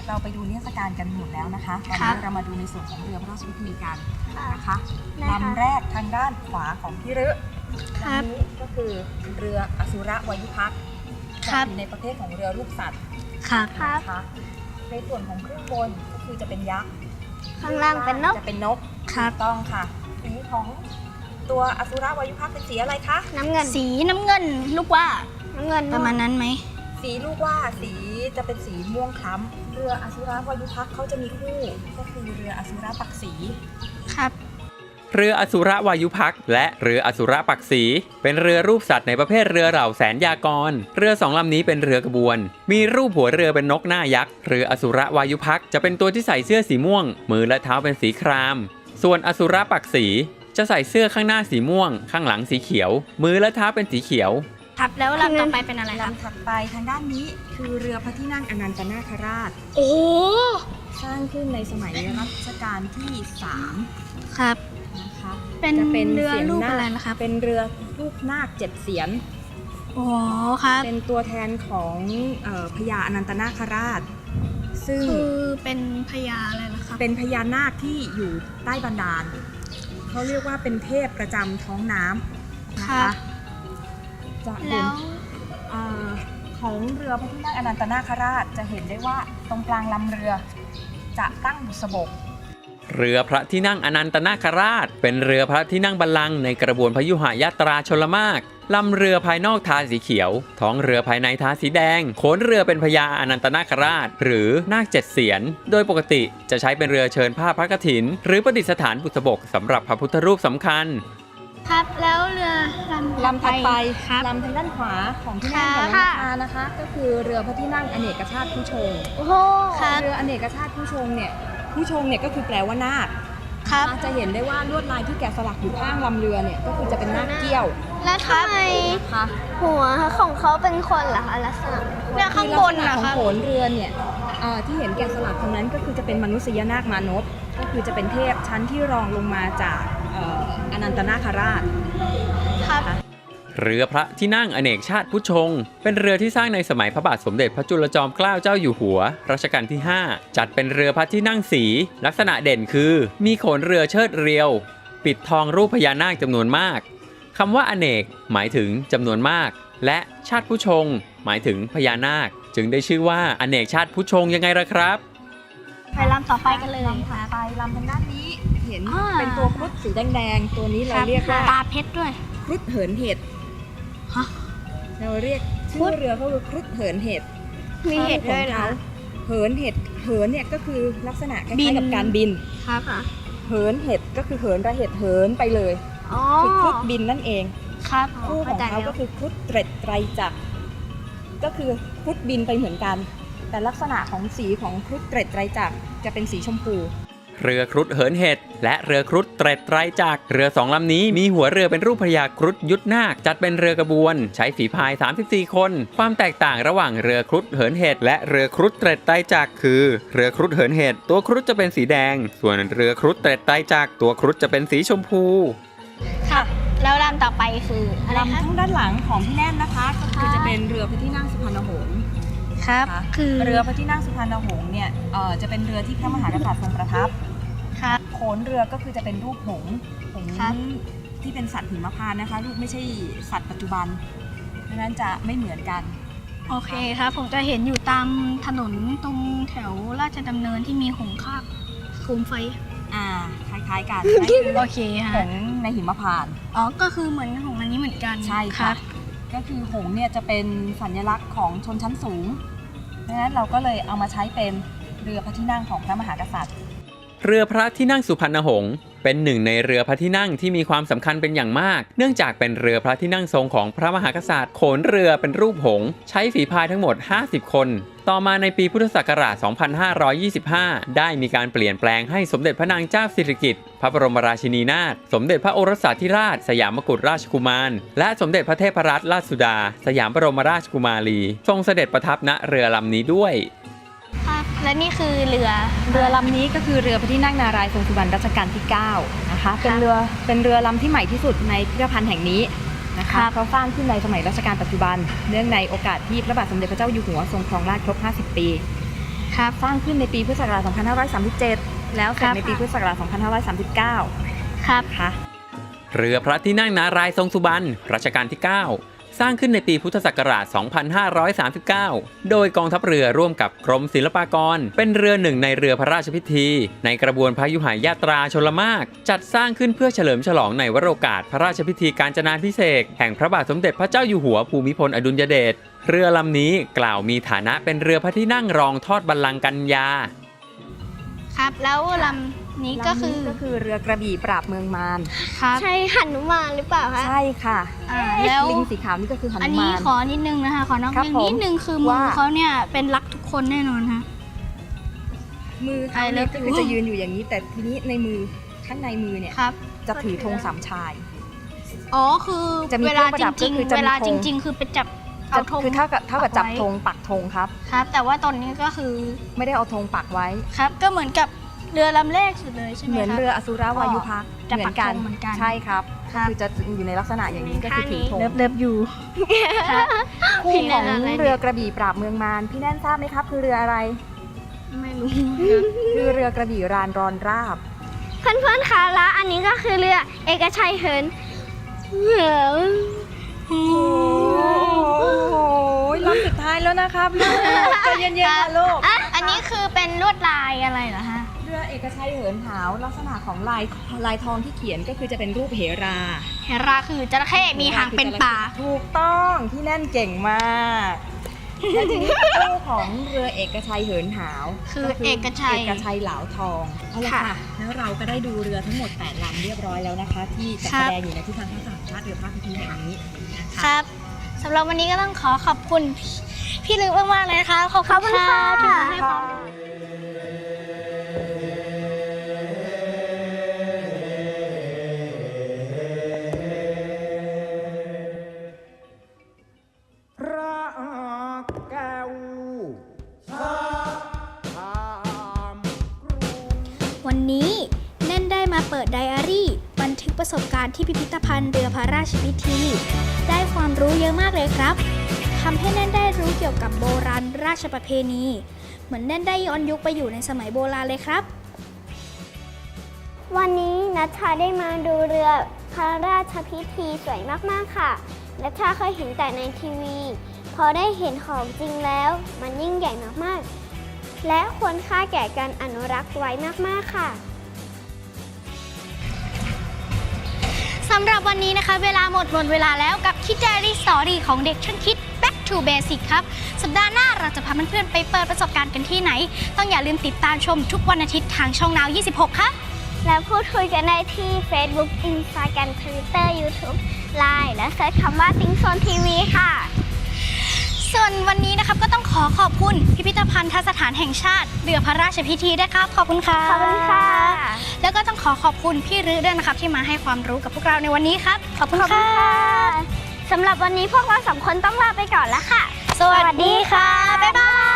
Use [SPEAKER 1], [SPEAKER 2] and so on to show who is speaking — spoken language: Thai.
[SPEAKER 1] เราไปดูนิทรรศการกันหมดแล้วนะคะตอนนี้เรามาดูในส่วนของเรือพระราชพิธีกันนะคะลำแรกทางด้านขวาของพี่ฤลำนี้ก็คือเรืออสุรวายุพักษ์อยู่ในประเภทของเรือรูปสัตว์นะคะในส่วนของเครื่องบนก็คือจะเป็นยักษ์
[SPEAKER 2] ข้างล่างเป็นนก
[SPEAKER 1] จะเป็นนกถูกต้องค่ะสีของตัวอสุรวายุพักษ์เป็นสีอะไรคะ
[SPEAKER 2] น้ำเงิน
[SPEAKER 3] สีน้ำเงินลูกว่า
[SPEAKER 2] น้ำเงิน
[SPEAKER 3] ประมาณนั้นไหม
[SPEAKER 1] สีลูกว่าสีจะเป็นสีม่วงคล้ำเรืออสุรวายุพักษ์เขาจะมีคู่ก็คือเรืออสุรปักษี
[SPEAKER 3] ครับ
[SPEAKER 4] เรืออสุรวายุพักษ์และเรืออสุรปักษีเป็นเรือรูปสัตว์ในประเภทเรือเหล่าแสนยากรเรือสองลำนี้เป็นเรือกระบวนมีรูปหัวเรือเป็นนกหน้ายักษ์เรืออสุรวายุพักษ์จะเป็นตัวที่ใส่เสื้อสีม่วงมือและเท้าเป็นสีครามส่วนอสุรปักษีจะใส่เสื้อข้างหน้าสีม่วงข้างหลังสีเขียวมือและเท้าเป็นสีเขียว
[SPEAKER 3] ครับแล้วลำต่อไปเป็นอะไรครับ
[SPEAKER 1] ลำถัดไปทางด้านนี้คือเรือพระที่นั่งอนันตนาคราช
[SPEAKER 3] โอ้
[SPEAKER 1] สร้างขึ้นในสมัยรัชกาลที่3
[SPEAKER 3] ครับ
[SPEAKER 1] นะคะ
[SPEAKER 3] เป็นเรือรูปอะไรนะคะ
[SPEAKER 1] เป็นเรือรูปนาค7 เสียน
[SPEAKER 3] อ๋อครับ
[SPEAKER 1] เป็นตัวแทนของพญาอนันตนาคราชซึ่ง
[SPEAKER 3] คือเป็นพญาอะไรนะครับ
[SPEAKER 1] เป็นพญานาคที่อยู่ใต้บันดาลเขาเรียกว่าเป็นเทพประจำท้องน้ำนะคะจะเห็นของเรือพระที่นั่งอนันตนาคราชจะเห็นได้ว่าตรงกลางลำเรือจะตั้งบุษบก
[SPEAKER 4] เรือพระที่นั่งอนันตนาคราชเป็นเรือพระที่นั่งบัลลังก์ในกระบวนพยุหยาตราชลมารลำเรือภายนอกทาสีเขียวท้องเรือภายในทาสีแดงโขนเรือเป็นพญาอนันตนาคราชหรือนาค7 เสียนโดยปกติจะใช้เป็นเรือเชิญผ้าพระกฐินหรือประดิษฐานบุษบกสำหรับพระพุทธรูปสำคัญ
[SPEAKER 3] ครับแล้วเรือ
[SPEAKER 1] ลำถัดไปลำทางด้านขวาของที่นั่งของน้องนานะคะก็คือเรือพระที่นั่งอเนกชาติผู้ชง
[SPEAKER 3] โอ้โห
[SPEAKER 1] เรืออเนกชาติผู้ชงเนี่ยก็คือแปลว่านาคจะเห็นได้ว่าลวดลายที่แกะสลักอยู่ข้างลำเรือเนี่ยก็คือจะเป็นนาคเกี้ยว
[SPEAKER 2] แล้วทำไมหัวของเขาเป็นคนเหรอคะลักษณะ
[SPEAKER 3] เนี่ยข้างบน
[SPEAKER 1] นะคะของโขนเรือเนี่ยที่เห็นแกะสลักตรงนั้นก็คือจะเป็นมนุษยนาคมานพก็คือจะเป็นเทพชั้นที่รองลงมาจากอนันตนาคราช
[SPEAKER 4] เรือพระที่นั่งอเนกชาติผู้ชงเป็นเรือที่สร้างในสมัยพระบาทสมเด็จพระจุลจอมเกล้าเจ้าอยู่หัวรัชกาลที่5จัดเป็นเรือพระที่นั่งสีลักษณะเด่นคือมีโขนเรือเชิดเรียวปิดทองรูปพญานาคจำนวนมากคำว่าอเนกหมายถึงจำนวนมากและชาติผู้ชงหมายถึงพญานาคจึงได้ชื่อว่าอเนกชาติผู้ชงยังไงล่ะครับ
[SPEAKER 3] ไปลำต่อไปกันเลย
[SPEAKER 1] ค่ะไปลำทางด้านนี้เห็นเป็นตัวครุฑสีแดงๆตัวนี้เราเรียกว่า
[SPEAKER 3] ตาเพชรด้วย
[SPEAKER 1] ครุฑเหินเห็ดเราเรียกชื่อเรือเขาคือครุฑเหินเห็ด
[SPEAKER 2] มีเห็ดด้วยเหรอ
[SPEAKER 1] เหินเห็ดเหินเนี่ยก็คือลักษณะคล้ายๆกับการบิน
[SPEAKER 2] ครับ
[SPEAKER 1] เหินเห็ดก็คือเหินระเห็ดเหินไปเลยคือครุฑบินนั่นเอง
[SPEAKER 3] ครับ
[SPEAKER 1] คู่ของเขาก็คือครุฑเตร็ดไตรจักรก็คือครุฑบินไปเหมือนกันแต่ลักษณะของสีของครุฑเตร็ดไตรจักรจะเป็นสีชมพู
[SPEAKER 4] เรือครุฑเหินเห็ดและเรือครุฑเตร็ดไตรจักรเรือ2 ลำนี้มีหัวเรือเป็นรูปพญาครุฑยุทธนาคจัดเป็นเรือกระบวนใช้ฝีพาย34 คนความแตกต่างระหว่างเรือครุฑเหินเห็ดและเรือครุฑเตร็ดไตรจักรคือเรือครุฑเหินเห็ดตัวครุฑจะเป็นสีแดงส่วนเรือครุฑเตร็ดไตรจักรตัวครุฑจะเป็นสีชมพู
[SPEAKER 3] ค่ะแล้วลำต่อไปคือ
[SPEAKER 1] ลำทั้งด้านหลังของพี่แน่นนะคะก็คือจะเป็นเรือพระที่นั่งสุพรรณหงษ์
[SPEAKER 3] ครับ
[SPEAKER 1] คือเรือพระที่นั่งสุพรรณหงษ์เนี่ยจะเป็นเรือที่พระมหากษัตริย์ทรงประทับโขนเรือก็คือจะเป็นรูปหงส์ที่เป็นสัตว์หิมพานต์นะคะรูปไม่ใช่สัตว์ปัจจุบันดังนั้นจะไม่เหมือนกัน
[SPEAKER 3] โอเคครับผมจะเห็นอยู่ตามถนนตรงแถวราชดำเนินที่มีหงส์คาบโคมไฟ
[SPEAKER 1] คล้ายๆกัน
[SPEAKER 3] โอเคค่ะ
[SPEAKER 1] หงส์ในหิมพานต์
[SPEAKER 3] ก็คือเหมือนหงส์อันนี้เหมือนกัน
[SPEAKER 1] ใช่ค่ะก็คือหงส์เนี่ยจะเป็นสัญลักษณ์ของชนชั้นสูงดังนั้นเราก็เลยเอามาใช้เป็นเรือพระที่นั่งของพระมหากษัตริย์
[SPEAKER 4] เรือพระที่นั่งสุพรรณหงษ์เป็นหนึ่งในเรือพระที่นั่งที่มีความสำคัญเป็นอย่างมากเนื่องจากเป็นเรือพระที่นั่งทรงของพระมหากษัตริย์โขนเรือเป็นรูปหงส์ใช้ฝีพายทั้งหมด50 คนต่อมาในปีพุทธศักราช 2525 ได้มีการเปลี่ยนแปลงให้สมเด็จพระนางเจ้าสิริกิติ์พระบรมราชินีนาถสมเด็จพระโอรสาธิราชสยามกุฎราชกุมารและสมเด็จพระเทพรัตนราชสุดาสยามบรมราชกุมารีทรงเสด็จประทับณเรือลำนี้ด้วย
[SPEAKER 3] และนี่คือเรือ
[SPEAKER 1] ลำนี้ก็คือเรือพระที่นั่งนารายณ์ทรงสุบรรณรัชกาลที่9นะคะเป็นเรือลำที่ใหม่ที่สุดในพิพิธภัณฑ์แห่งนี้นะคะเขาสร้างขึ้นในสมัยรัชกาลปัจจุบันเนื่องในโอกาสที่พระบาทสมเด็จพระเจ้าอยู่หัวทรงครองราชย์ครบ50 ปี
[SPEAKER 3] ครับ
[SPEAKER 1] สร้างขึ้นในปีพุทธศักราช 2537 แล้วเสร็จในปีพุทธศักราช 2539
[SPEAKER 3] ครับ
[SPEAKER 1] ค่ะ
[SPEAKER 4] เรือพระที่นั่งนารายณ์ทรงสุบรรณรัชกาลที่ 9 สร้างขึ้นในปีพุทธศักราช 2539 โดยกองทัพเรือร่วมกับกรมศิลปากร เป็นเรือหนึ่งในเรือพระราชพิธี ในกระบวนพระยุหายาตราชลมาก จัดสร้างขึ้นเพื่อเฉลิมฉลองในวโรกาสพระราชพิธีกาญจนาภิเษกแห่งพระบาทสมเด็จพระเจ้าอยู่หัวภูมิพลอดุลยเดช เรือลำนี้กล่าวมีฐานะเป็นเรือพระที่นั่งรองทอดบัลลังก์กัญญา
[SPEAKER 3] ครับแล้วลำนี้ก็คือ
[SPEAKER 1] ก็คือเรือกระบี่ปราบเมืองมาร
[SPEAKER 3] ครับ
[SPEAKER 2] ใช่หนุมานหรือเปล่าคะ
[SPEAKER 1] ใช่ค่ะ
[SPEAKER 3] แล้ว
[SPEAKER 1] ลิงสีขาวนี่ก็คือห
[SPEAKER 3] อัน
[SPEAKER 1] นุ
[SPEAKER 3] นี้
[SPEAKER 1] มาน
[SPEAKER 3] ขอนิดนึงนะคะขอนอก
[SPEAKER 1] ครับ
[SPEAKER 3] เรื่องนิดนึงคือมือ
[SPEAKER 1] ว่า
[SPEAKER 3] เขาเนี่ยเป็นรักทุกคนแน่นอนฮะ
[SPEAKER 1] มือเขา
[SPEAKER 3] I
[SPEAKER 1] เนี่ย
[SPEAKER 3] love
[SPEAKER 1] ก็
[SPEAKER 3] you
[SPEAKER 1] คือจะยืนอยู่อย่างนี้ แต่ทีนี้ในมือข้างในมือเนี่ย
[SPEAKER 3] ครับ
[SPEAKER 1] จะถือธงสามชาย
[SPEAKER 3] อ๋อคือ
[SPEAKER 1] จะมี
[SPEAKER 3] เวลา
[SPEAKER 1] เครื่องประ
[SPEAKER 3] จ
[SPEAKER 1] ดับ
[SPEAKER 3] ริง
[SPEAKER 1] ก็คือ
[SPEAKER 3] ๆ
[SPEAKER 1] จะมี
[SPEAKER 3] เวลา
[SPEAKER 1] ธ
[SPEAKER 3] จ
[SPEAKER 1] ง
[SPEAKER 3] ริง ๆ คือไปจับเอาธง
[SPEAKER 1] คือเท่ากับจับ
[SPEAKER 3] ปักไว้
[SPEAKER 1] ธงปักธงครับ
[SPEAKER 3] ครับ แต่ว่าตอนนี้ก็คือ
[SPEAKER 1] ไม่ได้เอาธงปักไว้
[SPEAKER 3] ครับก็เหมือนกับเรือลำแรกสุดเลยใช่ไหม
[SPEAKER 1] เหมือน
[SPEAKER 3] ครับ
[SPEAKER 1] เรืออสุรวายุพักษ์
[SPEAKER 3] จะปักธงเหมือนกัน
[SPEAKER 1] ใช่ครับ
[SPEAKER 3] ครับ
[SPEAKER 1] คือจะอยู่ในลักษณะอย่างนี้ก็คือถือธง
[SPEAKER 3] เลิฟอยู่ครับ
[SPEAKER 1] คู่
[SPEAKER 3] พี่แน่
[SPEAKER 1] ของ
[SPEAKER 3] นอะไร
[SPEAKER 1] เรือกระบี่ปราบเมืองมารพี่แน่นทราบไหมครับ คือเรืออะไร
[SPEAKER 3] ไม่รู้
[SPEAKER 1] คือเรือกระบี่รานรอนราบ
[SPEAKER 2] เพื่อนๆคะแล้วอันนี้ก็คือเรือเอกชัยเหินเหิน
[SPEAKER 1] โอ้โหลำสุดท้ายแล้วนะครับลูกใจเย็นๆค่ะลูก
[SPEAKER 3] อันนี้คือเป็นลวดลายอะไรเหรอฮะ
[SPEAKER 1] เรือเอกชัยเหินหาวลักษณะของลายทองที่เขียนก็คือจะเป็นรูปเหรา
[SPEAKER 3] เฮราคือจระเข้มีหางเป็นป่า
[SPEAKER 1] ถูกต้องพี่แน่นเก่งมากและทีนี้คู่ของเรือเอกชัยเหินหาว
[SPEAKER 3] คือเอกชัย
[SPEAKER 1] เอกชัยเหลาทองเอาละค่ะแล้วเราก็ได้ดูเรือทั้งหมด8ลำเรียบร้อยแล้วนะคะ ที่จัด
[SPEAKER 3] ครั
[SPEAKER 1] แส
[SPEAKER 3] บ
[SPEAKER 1] ดงอยู่ในที่ทางทัศนชาติเรือพระพิธีแห่งนี้นะ
[SPEAKER 3] ค
[SPEAKER 1] คะ
[SPEAKER 3] รับสำหรับวันนี้ก็ต้องขอขอบคุณพี่ลึกมากๆเลยนะคะขอบคุณค่ะที่มาให้ความรู้
[SPEAKER 5] พระแก้วชาธามกรุง
[SPEAKER 6] วันนี้แน่นได้มาเปิดไดอารี่บันทึกประสบการณ์ที่พิพิธภัณฑ์เรือพระราชพิธี ได้ความรู้เยอะมากเลยครับทำให้แน่นได้รู้เกี่ยวกับโบราณราชประเพณี เหมือนแน่นได้ย้อนยุคไปอยู่ในสมัยโบราณเลยครับ
[SPEAKER 2] วันนี้นัชชาได้มาดูเรือพระราชพิธีสวยมากๆค่ะนัชชาเคยเห็นแต่ในทีวี พอได้เห็นของจริงแล้วมันยิ่งใหญ่มากๆ และควรค่าแก่การอนุรักษ์ไว้มากๆค่ะ
[SPEAKER 3] สำหรับวันนี้นะคะเวลาหมดเวลาแล้วกับคิดไดอารี่สตอรี่ของเด็กช่างคิด Back to Basic ครับสัปดาห์หน้าเราจะพาเพื่อนๆไปเปิดประสบการณ์กันที่ไหน ต้องอย่าลืมติดตามชมทุกวันอาทิตย์ทางช่องนาว 26 ครับ
[SPEAKER 2] และพูดคุยกันได้ที่ Facebook Instagram Twitter YouTube Line และเซิร์ชคำว่าติ้งโซนทีวีค่ะ
[SPEAKER 3] ส่วนวันนี้นะครับก็ต้องขอขอบคุณพิพิธภัณฑสถานแห่งชาติเรือพระราชพิธีด้วยครับขอบคุณค่ะ
[SPEAKER 2] ขอบคุณค่ะ
[SPEAKER 3] แล้วก็ต้องขอขอบคุณพี่รื้อด้วยนะครับที่มาให้ความรู้กับพวกเราในวันนี้ครับขอบคุณค่ะ
[SPEAKER 2] สำหรับวันนี้พวกเราสองคนต้องลาไปก่อนแล้วค่ะ
[SPEAKER 3] สวัสดีค่ะบ๊ายบาย